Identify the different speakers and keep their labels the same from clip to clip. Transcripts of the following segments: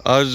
Speaker 1: आज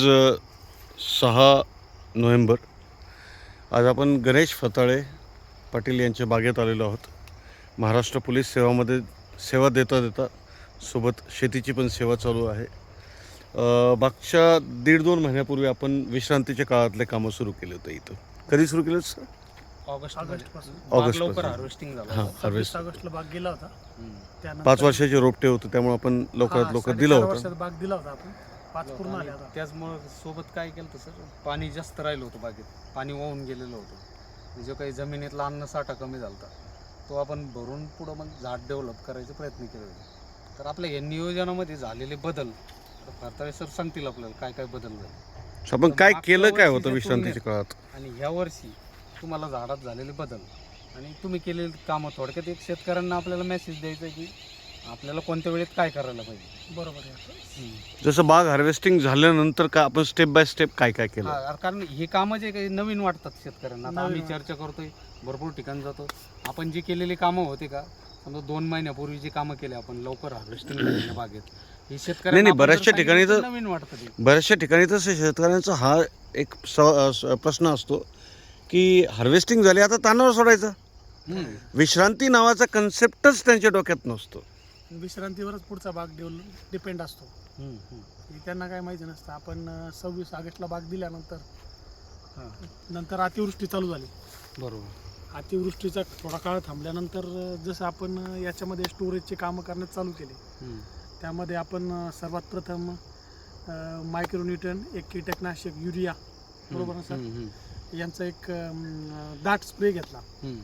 Speaker 1: 6 नोव्हेंबर. आज आपण गणेश फताळे पाटील यांच्या बागेत आलेलो आहोत. महाराष्ट्र पोलीस सेवामध्ये सेवा देता देता सोबत शेतीची पण सेवा चालू आहे. मागच्या 1.5-2 महिन्यापूर्वी आपण विश्रांतीच्या काळातले कामं सुरू केले होते. इथं कधी सुरू केलं सर?
Speaker 2: ऑगस्ट पासून.
Speaker 1: ऑगस्ट
Speaker 2: लवकर
Speaker 1: पासून.
Speaker 2: हार्वेस्टिंग झालं.
Speaker 1: हां,
Speaker 3: 26
Speaker 1: हार्वेस्ट.
Speaker 3: ऑगस्टला बाग गेला होता. त्यानंतर
Speaker 1: 5 वर्षाचे रोपटे होते, त्यामुळे आपण लवकरात लवकर दिलं
Speaker 3: 4.5
Speaker 1: होतं.
Speaker 3: वर्षात बाग दिला होता आपण. 5 पूर्ण आले आता.
Speaker 2: त्याचमुळे सोबत काय केलं सर, पाणी जास्त राहिलं होतं बागेत, पाणी वाहून गेलेलं होतं. जो काही जमिनीतला अन्नसाठा कमी झाला होता तो आपण भरून पुढं मग झाड डेव्हलप करायचा प्रयत्न केले होते. तर आपल्या या नियोजनामध्ये झालेले बदल फताळे सर सांगतील आपल्याला काय काय बदल झाले
Speaker 1: आपण काय
Speaker 2: मागच्या
Speaker 1: केलं, काय होतं
Speaker 2: वर्षीच्या
Speaker 1: विश्रांतीच्या काळात.
Speaker 2: आणि ह्या वर्षी तुम्हाला झाडात झालेले बदल आणि तुम्ही केलेली कामं. थोडक्यात एक शेतकऱ्यांना आपल्याला मेसेज द्यायचा आहे की आपल्याला कोणत्या वेळेत काय करायला पाहिजे.
Speaker 3: बरोबर आहे.
Speaker 1: जसं बाग हार्वेस्टिंग झाल्यानंतर का आपण स्टेप बाय स्टेप काय काय केलं.
Speaker 2: हा, कारण हे कामं जे काही नवीन वाटतात शेतकऱ्यांना. आता आम्ही
Speaker 3: नवीन
Speaker 2: चर्चा करतोय, भरपूर ठिकाणी जातो. आपण जी केलेली कामं होते का, समजा 2 महिन्यापूर्वी जी कामं केली आपण लवकर हार्वेस्टिंग झालेल्या बागेत, ही शेतकऱ्यांना
Speaker 1: नाही,
Speaker 2: आपण
Speaker 1: बऱ्याचशा
Speaker 2: जर
Speaker 1: ठिकाणी
Speaker 2: सांगितलं
Speaker 1: तर-
Speaker 2: नवीन वाटतं ते.
Speaker 1: बऱ्याचशा ठिकाणी तसं शेतकऱ्यांचा हा एक प्रश्न असतो की हार्वेस्टिंग झाली आता तानावर सोडायचं. विश्रांती नावाचा कन्सेप्टच त्यांच्या डोक्यात नसतो.
Speaker 3: विश्रांतीवरच पुढचा बाग डिपेंड असतो. हे त्यांना काय माहिती नसतं. आपण 26 ऑगस्टला बाग दिल्यानंतर नंतर अतिवृष्टी चालू झाली.
Speaker 2: बरोबर.
Speaker 3: अतिवृष्टीचा थोडा काळ थांबल्यानंतर जसं आपण याच्यामध्ये स्टोरेजचे कामं करण्यात चालू केले. त्यामध्ये आपण सर्वात प्रथम मायक्रोन्यूटन, एक कीटकनाशक, युरिया, बरोबर ना सर, यांचा एक दाट स्प्रे घेतला.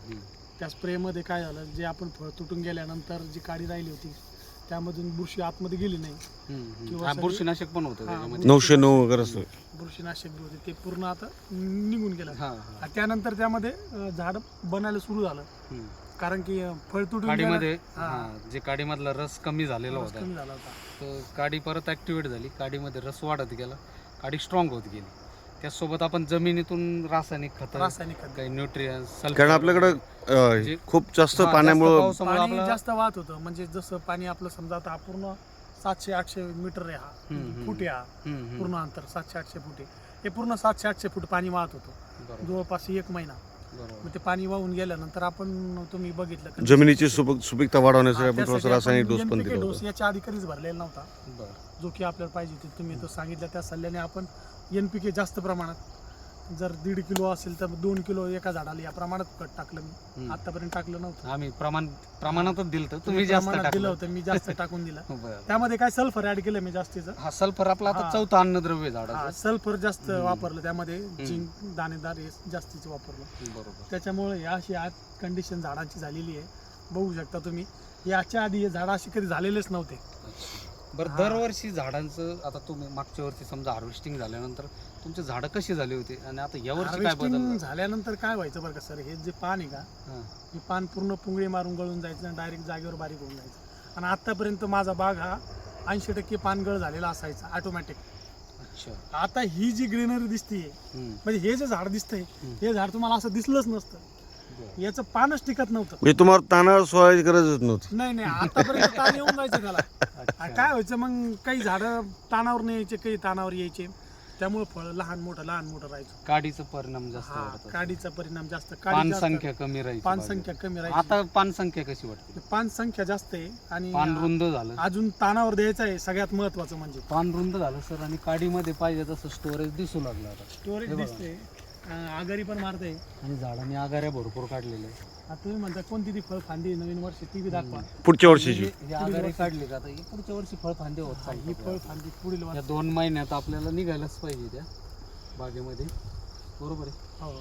Speaker 3: त्या स्प्रेमध्ये काय झालं, जे आपण फळ तुटून गेल्यानंतर जी काडी राहिली होती त्यामधून बुरशी आतमध्ये गेली नाही.
Speaker 2: हा, बुरशीनाशक पण होतं त्याच्यामध्ये.
Speaker 1: 909 वगैरे असं.
Speaker 3: बुरशीनाशक जे होते ते पूर्ण आता निघून गेलं.
Speaker 2: हा,
Speaker 3: आणि त्यानंतर त्यामध्ये झाड बनायला सुरू झालं. कारण की फळ तुटून
Speaker 2: काडीमध्ये
Speaker 3: गेलं. हा.
Speaker 2: जे काडीमधला रस कमी झालेला
Speaker 3: रस
Speaker 2: होता,
Speaker 3: कमी झाला होता.
Speaker 2: तर काडी परत ॲक्टिवेट झाली. काडीमध्ये रस वाढत गेला, काडी स्ट्रॉंग होत गेली. त्याचसोबत आपण जमिनीतून रासायनिक खतं,
Speaker 3: रासायनिक खत.
Speaker 2: काही न्यूट्रियन्स,
Speaker 1: कारण आपल्याकडं खूप जास्त पाण्यामुळं
Speaker 3: पाणी जास्त वाहत होतं. म्हणजे जसं पाणी आपलं समजा आता हा पूर्ण 700-800 मीटर आहे, हा फूट आहे, हा पूर्ण अंतर 700-800 फूट आहे. हे पूर्ण 700-800 फूट पाणी वाहत होतं जवळपास 1 महिना. मग ते पाणी वाहून गेल्यानंतर आपण तुम्ही बघितलं का
Speaker 1: जमिनीची सुपीकता वाढवण्यासाठी आपण थोडासा रासायनिक डोस पण
Speaker 3: NPK
Speaker 1: दिला
Speaker 3: डोस
Speaker 1: होता.
Speaker 3: याच्या आधी कधीच भरलेला नव्हता, जो की आपल्याला पाहिजे ते तुम्ही तो सांगितलं. त्या सल्ल्याने आपण NPK जास्त प्रमाणात, जर 1.5 किलो असेल तर 2 किलो एका झाडाला या प्रमाणात खत टाकलं मी. आतापर्यंत टाकलं नव्हतं.
Speaker 2: आम्ही प्रमाणातच दिलं तर तुम्ही जास्त
Speaker 3: प्रमाणात दिलं
Speaker 2: टाकलं
Speaker 3: होतं, मी जास्त टाकून दिलं.
Speaker 2: बरं.
Speaker 3: त्यामध्ये काय सल्फर ऍड केलं मी जास्तीचं.
Speaker 2: हा, सल्फर आपला आता
Speaker 3: हा.
Speaker 2: 4थं अन्नद्रव्य झाडाचं.
Speaker 3: सल्फर जास्त वापरलं त्यामध्ये. झिंक, दाणेदार हे जास्तीचं वापरलं.
Speaker 2: बरोबर.
Speaker 3: त्याच्यामुळे अशी आज कंडिशन झाडांची झालेली आहे. बघू शकता तुम्ही, याच्या आधी हे झाडं अशी कधी झालेलेच नव्हते.
Speaker 2: बरं, दरवर्षी झाडांचं, आता तुम्ही मागच्या वर्षी समजा हार्वेस्टिंग झाल्यानंतर तुमचे झाडं कशी झाली होती आणि आता या वर्षी काय बदल
Speaker 3: हार्वेस्टिंग
Speaker 2: झाला?
Speaker 3: झाल्यानंतर काय व्हायचं बरं का सर, हे जे पान आहे का,
Speaker 2: हा.
Speaker 3: हे पान पूर्ण पुंगळी मारून गळून जायचं आणि डायरेक्ट जागेवर बारीक होऊन जायचं. आणि आतापर्यंत माझा बाग हा 80% पानगळ झालेला असायचा ऑटोमॅटिक.
Speaker 2: अच्छा.
Speaker 3: आता ही जी ग्रीनरी दिसतीये, म्हणजे हे जे झाड दिसतंय, हे झाड तुम्हाला असं दिसलंच नसतं.
Speaker 2: बरं.
Speaker 3: याचं पानच टिकत नव्हतं.
Speaker 1: म्हणजे तुम्हाला तानावर सोडायची गरजच नव्हती.
Speaker 3: नाही, आतापर्यंत ताण येऊन जायचं त्याला.
Speaker 2: अच्छा.
Speaker 3: आणि काय व्हायचं मग, काही झाडं तानावर नाही यायचे, काही तानावर यायचे. त्यामुळे फळ लहान मोठं राहायचं.
Speaker 2: काडीचा परिणाम जास्त
Speaker 3: हा,
Speaker 2: वाढत.
Speaker 3: काडीचा परिणाम जास्त.
Speaker 2: पान
Speaker 3: जास्त.
Speaker 2: संख्या कमी राहायची.
Speaker 3: पान
Speaker 2: बागेत.
Speaker 3: संख्या कमी राहायची.
Speaker 2: आता पान संख्या कशी वाटते?
Speaker 3: पान संख्या जास्त आहे. आणि
Speaker 2: पान रुंद झालं.
Speaker 3: अजून तानावर द्यायचं आहे सगळ्यात महत्वाचं म्हणजे.
Speaker 2: पान रुंद झालं सर, आणि काडीमध्ये पाहिजे तसं स्टोरेज दिसू लागलं आता.
Speaker 3: स्टोरेज
Speaker 2: हे बघा.
Speaker 3: दिसते, आगारी पण मारते.
Speaker 2: आणि झाडांनी आगाऱ्या भरपूर काढलेल्या आहेत.
Speaker 3: आता तुम्ही म्हणता कोणती ती फळ फांदी नवीन वर्षी ती बी दाखवा.
Speaker 1: पुढच्या वर्षीची
Speaker 2: हे आगारे काढले का आता, हे पुढच्या वर्षी फळ फांदे होत
Speaker 3: ही
Speaker 2: चालतात.
Speaker 3: फळ फांदी पुढील
Speaker 2: या
Speaker 3: वर्षी.
Speaker 2: 2 महिन्यात आपल्याला निघायलाच पाहिजे त्या बागेमध्ये. बरोबर आहे.
Speaker 3: हो,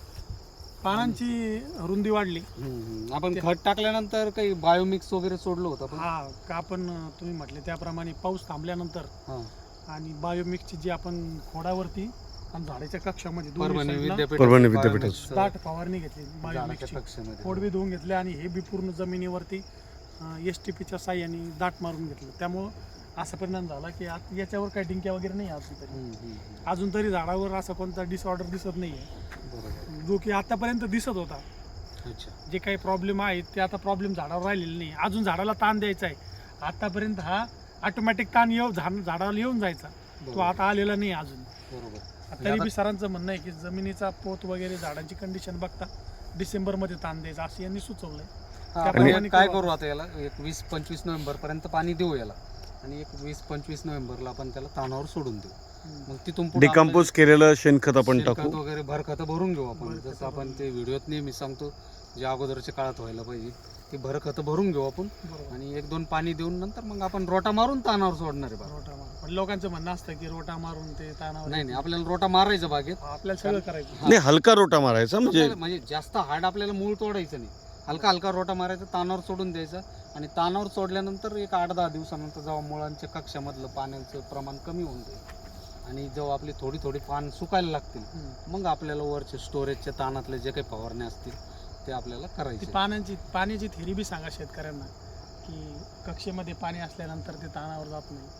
Speaker 3: पानांची रुंदी वाढली.
Speaker 2: आपण खत टाकल्यानंतर काही बायोमिक्स वगैरे सोडलं होतं पण.
Speaker 3: हा का, आपण तुम्ही म्हटले त्याप्रमाणे पाऊस थांबल्यानंतर
Speaker 2: हा.
Speaker 3: आणि बायोमिक्सची जी आपण खोडावरती आणि झाडाच्या कक्षामध्ये दोन्ही
Speaker 2: परभणी
Speaker 3: साईडला
Speaker 1: परभणी
Speaker 2: विद्यापीठ
Speaker 1: विद्यापीठाचं.
Speaker 3: दाट फवारणी घेतली बायोमिक्सची.
Speaker 2: कक्षामध्ये
Speaker 3: खोड बी धुवून घेतले आणि हे बी पूर्ण जमिनीवरती STPच्या साह्याने दाट मारून घेतलं. त्यामुळं असा परिणाम झाला की आता याच्यावर काही डिंक्या वगैरे नाही अजून तरी झाडावर असा कोणता डिसऑर्डर दिसत नाहीये,
Speaker 2: बरोबर.
Speaker 3: जो की आतापर्यंत दिसत होता.
Speaker 2: अच्छा.
Speaker 3: जे काही प्रॉब्लेम आहेत ते आता प्रॉब्लेम झाडावर राहिलेले नाही. अजून झाडाला ताण द्यायचा आहे. आतापर्यंत हा ऑटोमॅटिक ताण झाडाला येऊन जायचा. तो आता आलेला नाही अजून.
Speaker 2: बरोबर.
Speaker 3: तरी बी सरांचं म्हणणं आहे की जमिनीचा पोत वगैरे झाडांची कंडिशन बघता डिसेंबरमध्ये ताण द्यायचा असं यांनी सुचवलंय. त्याप्रमाणे
Speaker 2: आपण काय
Speaker 3: करू.
Speaker 2: करू आता याला एक 20-25 नोव्हेंबर पर्यंत पाणी देऊ याला आणि एक 20-25 नोव्हेंबरला आपण त्याला तानावर सोडून देऊ. मग तिथून पुढे
Speaker 1: डिकम्पोज केलेलं शेणखत आपण
Speaker 2: शेणखत
Speaker 1: टाकू.
Speaker 2: वगैरे भरखतं भरून घेऊ आपण.
Speaker 3: भरखतं
Speaker 2: जसं आपण
Speaker 3: भरून
Speaker 2: ते व्हिडिओत नेहमी सांगतो जे अगोदरच्या काळात व्हायला पाहिजे ती भरखतं भरून घेऊ आपण
Speaker 3: बरोबर.
Speaker 2: आणि 1-2 पाणी देऊन नंतर मग आपण रोटा मारून तानावर सोडणार आहे बाग.
Speaker 3: रोटा मारून. पण लोकांचं म्हणणं असतं की रोटा मारून ते तानावर
Speaker 2: नाही आपल्याला रोटा मारायचा बागेत.
Speaker 3: आपल्याला सगळं करायचं.
Speaker 1: नाही, हलका रोटा मारायचा म्हणजे
Speaker 2: म्हणजे जास्त हार्ड आपल्याला मूळ तोडायचं नाही. हलका रोटा मारायचा, तानावर सोडून द्यायचा आणि तानावर सोडल्यानंतर एक 8-10 दिवसानंतर जेव्हा मुळांच्या कक्षामधलं पाण्याचं प्रमाण कमी होऊन जाईल आणि जेव्हा आपली थोडी पान सुकायला लागतील मग आपल्याला वरचे स्टोरेजच्या तानातले जे काही फवारणे असतील ते आपल्याला
Speaker 3: ती
Speaker 2: करायचे.
Speaker 3: पाण्याची थेरी बी सांगा शेतकऱ्यांना की कक्षेमध्ये पाणी असल्यानंतर ते तानावर जात नाही.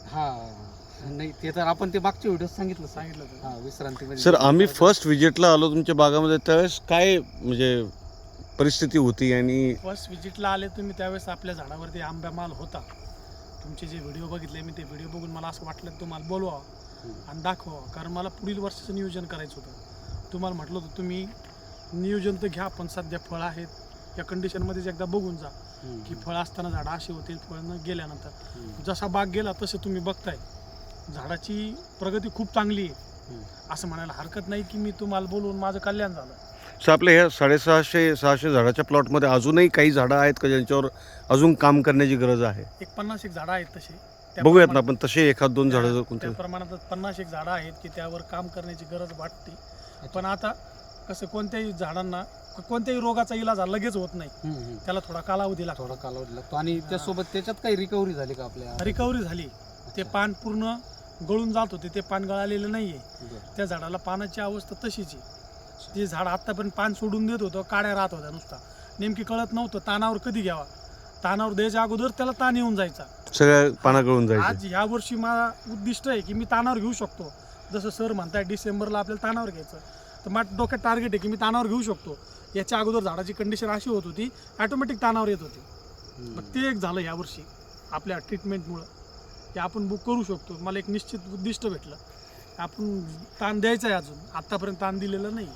Speaker 2: हा नाही ते तर आपण ते मागच्या व्हिडिओ सांगितलं
Speaker 3: सांगितलं
Speaker 2: हा विश्रांतीमध्ये.
Speaker 1: सर आम्ही फर्स्ट व्हिजिटला आलो तुमच्या बागामध्ये त्यावेळेस काय म्हणजे परिस्थिती होती आणि
Speaker 3: फर्स्ट विजिटला आले तुम्ही त्यावेळेस आपल्या झाडावरती आंबा माल होता. तुमचे जे व्हिडिओ बघितले मी ते व्हिडिओ बघून मला असं वाटलं की तुम्हाला बोलवावं आणि दाखवावं, कारण मला पुढील वर्षाचं नियोजन करायचं होतं. तुम्हाला म्हटलं होतं तुम्ही नियोजन तर घ्या पण सध्या फळ आहेत या कंडिशनमध्येच एकदा बघून जा की फळ असताना झाडं अशी होतील, फळ न गेल्यानंतर. जसा बाग गेला तसे तुम्ही बघताय झाडाची प्रगती खूप चांगली आहे. असं म्हणायला हरकत नाही की मी तुम्हाला बोलवून माझं कल्याण झालं.
Speaker 1: सर आपल्या ह्या 650 झाडाच्या प्लॉटमध्ये अजूनही काही झाडं आहेत का ज्यांच्यावर अजून काम करण्याची गरज आहे?
Speaker 3: एक 50 झाडं आहेत तसे.
Speaker 1: बघूयात ना आपण तसे 1-2 झाडं जर कोणते.
Speaker 3: त्या प्रमाणात 50 झाडं आहेत की त्यावर काम करण्याची गरज वाटते. पण आता कसं कोणत्याही झाडांना कोणत्याही रोगाचा इलाज हा लगेच होत नाही, त्याला थोडा कालावधी लागतो.
Speaker 2: थोडा कालावधी लागतो आणि त्यासोबत त्याच्यात काही रिकव्हरी झाली का आपल्या?
Speaker 3: रिकव्हरी झाली. ते पान पूर्ण गळून जात होते, ते पान गळालेलं नाहीये. त्या झाडाला पानाची अवस्था तशीच आहे. जे झाड आतापर्यंत पान सोडून देत होतं काड्या राहत होत्या नुसता, नेमकी कळत नव्हतं तानावर कधी घ्यावा. तानावर द्यायच्या अगोदर त्याला ताण येऊन जायचा,
Speaker 1: सगळ्या पाना गळून जायचं.
Speaker 3: आज ह्या वर्षी माझा उद्दिष्ट आहे की मी तानावर घेऊ शकतो. जसं सर म्हणताय डिसेंबरला आपल्याला तानावर घ्यायचं, तर माझ्या डोक्यात टार्गेट आहे की मी तानावर घेऊ शकतो. याच्या अगोदर झाडाची कंडिशन अशी होत होती ॲटोमॅटिक तानावर येत होती. मग ते एक झालं यावर्षी आपल्या ट्रीटमेंटमुळं की आपण बुक करू शकतो. मला एक निश्चित उद्दिष्ट भेटलं, आपण ताण द्यायचा आहे. अजून आत्तापर्यंत ताण दिलेलं नाही.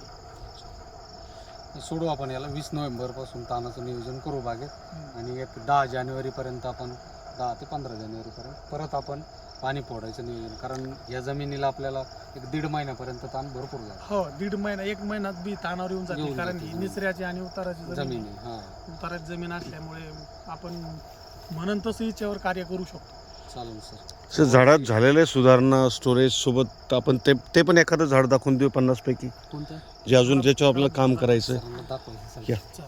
Speaker 2: सोडू आपण याला 20 नोव्हेंबरपासून तानाचं नियोजन करू बागेत आणि एक 10 जानेवारीपर्यंत आपण 10 ते 15 जानेवारीपर्यंत परत आपण पाणी फोडायचं नियोजन, कारण या जमिनीला आपल्याला एक 1.5 महिन्यापर्यंत ताण भरपूर झाला.
Speaker 3: हो 1.5 महिना 1 महिन्यात बी तानावर येऊन जाते, कारण ही निचऱ्याची आणि उताराची
Speaker 2: जमीन
Speaker 3: जमीन
Speaker 2: आहे.
Speaker 3: उताराची जमीन असल्यामुळे आपण म्हणून तसं हिच्यावर कार्य करू शकतो.
Speaker 2: चालेल सर.
Speaker 1: सर झाडात झालेल्या सुधारणा स्टोरेज सोबत आपण ते पण एखादं झाड दाखवून देऊ 50 पैकी
Speaker 2: कोणतं
Speaker 1: जे अजून ज्याच्यावर आपल्याला काम करायचं.
Speaker 2: सरांना दाखवायचं.
Speaker 1: या.
Speaker 3: चालेल.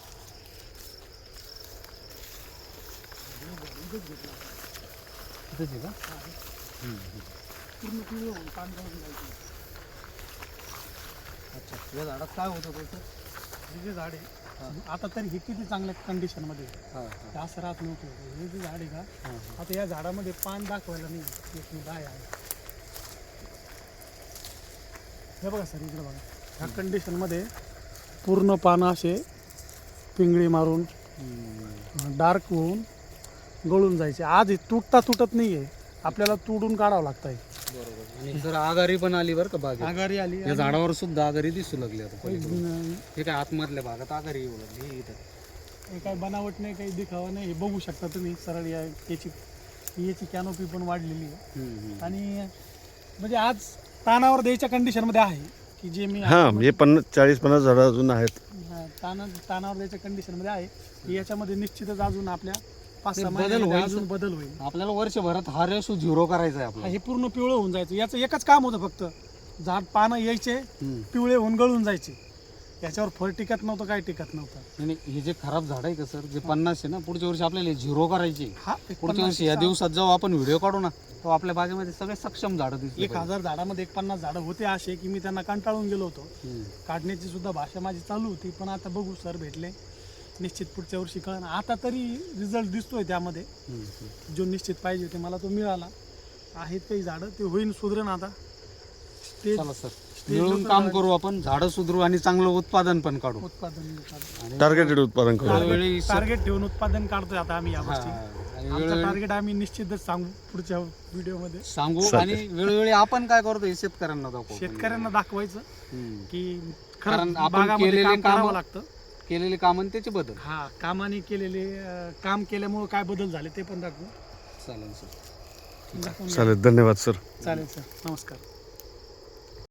Speaker 2: इथंच आहे का?
Speaker 3: पूर्ण पिवळं होऊन पान गळून जायचं.
Speaker 2: अच्छा या झाडात काय होतं त्याचं?
Speaker 3: हे जे झाड आहे आता तरी हे किती चांगल्या कंडिशनमध्ये आहे. हे असं राहत नव्हतं. हे जे झाड आहे का आता या झाडामध्ये पान दाखवायला नाही, एक मी डाय आहे. हे बघा सर इकडे बघा, ह्या कंडिशनमध्ये पूर्ण पानं असे पिंगळी मारून डार्क होऊन गळून जायचे. आज हे तुटत नाही आहे, आपल्याला तुडून काढावं लागतं आहे.
Speaker 2: बरोबर. आणि जर आगारी पण आली बरं का बागेत,
Speaker 3: आघाडी आली.
Speaker 2: या झाडावर सुद्धा आगारी दिसू लागली आता पलीकडून. हे काय आतमधल्या भागात आगारी येऊ लागली. हे इथं
Speaker 3: हे काही बनावट नाही, काही दिखावा नाही. हे बघू शकता तुम्ही सरळ याची कॅनोपी पण वाढलेली आहे. आणि म्हणजे आज तानावर द्यायच्या कंडिशनमध्ये आहे की जे मी
Speaker 1: हां म्हणजे 40-50 झाडं अजून आहेत.
Speaker 3: तानावर द्यायच्या कंडिशनमध्ये आहे की याच्यामध्ये निश्चितच अजून आपल्या 5-6
Speaker 2: बदल
Speaker 3: महिन्यामध्ये
Speaker 2: होईल.
Speaker 3: अजून बदल होईल.
Speaker 2: आपल्याला वर्षभरात हा रेशो 0 करायचा आहे आपल्याला.
Speaker 3: हे पूर्ण पिवळं होऊन जायचं. याचं एकच काम होतं फक्त, झाड पानं यायचे पिवळे होऊन गळून जायचे. याच्यावर फळ टिकत नव्हतं, काय टिकत नव्हतं.
Speaker 2: आणि हे जे खराब झाड आहे का सर, जे 50 आहे ना, पुढच्या वर्षी आपल्याला 0 करायचे.
Speaker 3: हा
Speaker 2: पुढच्या वर्षी या दिवसात जेव्हा आपण व्हिडिओ काढू ना, तो आपल्या बागेमध्ये सगळे सक्षम झाडं दिसतील.
Speaker 3: 1000 झाडामध्ये 50 झाडं होते असे की मी त्यांना कंटाळून गेलो होतो. काढण्याची सुद्धा भाषा माझी चालू होती, पण आता बघू सर भेटले, निश्चित पुढच्या वर्षी कळण. आता तरी रिझल्ट दिसतोय त्यामध्ये, जो निश्चित पाहिजे होते मला तो मिळाला. आहेत काही झाडं, ते होईन सुधरण. आता ते
Speaker 2: चला सर मिळून काम करू आपण, झाडं सुधरू आणि चांगलं उत्पादन पण काढू.
Speaker 3: उत्पादन
Speaker 1: टार्गेटेड उत्पादन करू.
Speaker 2: त्यावेळी
Speaker 3: टार्गेट ठेवून उत्पादन काढतोय आता आम्ही या गोष्टी.
Speaker 2: आणि
Speaker 3: आमचं
Speaker 2: वेळोवेळी
Speaker 3: टार्गेट आम्ही निश्चितच सांगू पुढच्या व्हिडिओमध्ये.
Speaker 2: सांगू
Speaker 1: चालेल.
Speaker 2: आणि वेळोवेळी आपण काय करतो हे शेतकऱ्यांना दाखवू.
Speaker 3: शेतकऱ्यांना दाखवायचं
Speaker 2: हम्म.
Speaker 3: की
Speaker 2: कारण
Speaker 3: खरंच
Speaker 2: आपण
Speaker 3: बागामध्ये
Speaker 2: केलेले
Speaker 3: काम करावं
Speaker 2: कामं-
Speaker 3: लागतं.
Speaker 2: केलेले काम आणि त्याचे बदल.
Speaker 3: हा, कामाने केलेले काम केल्यामुळे काय बदल झाले ते पण दाखवू.
Speaker 2: चालेल सर.
Speaker 3: दाखवून घ्या.
Speaker 1: चालेल, धन्यवाद सर.
Speaker 3: चालेल सर, नमस्कार.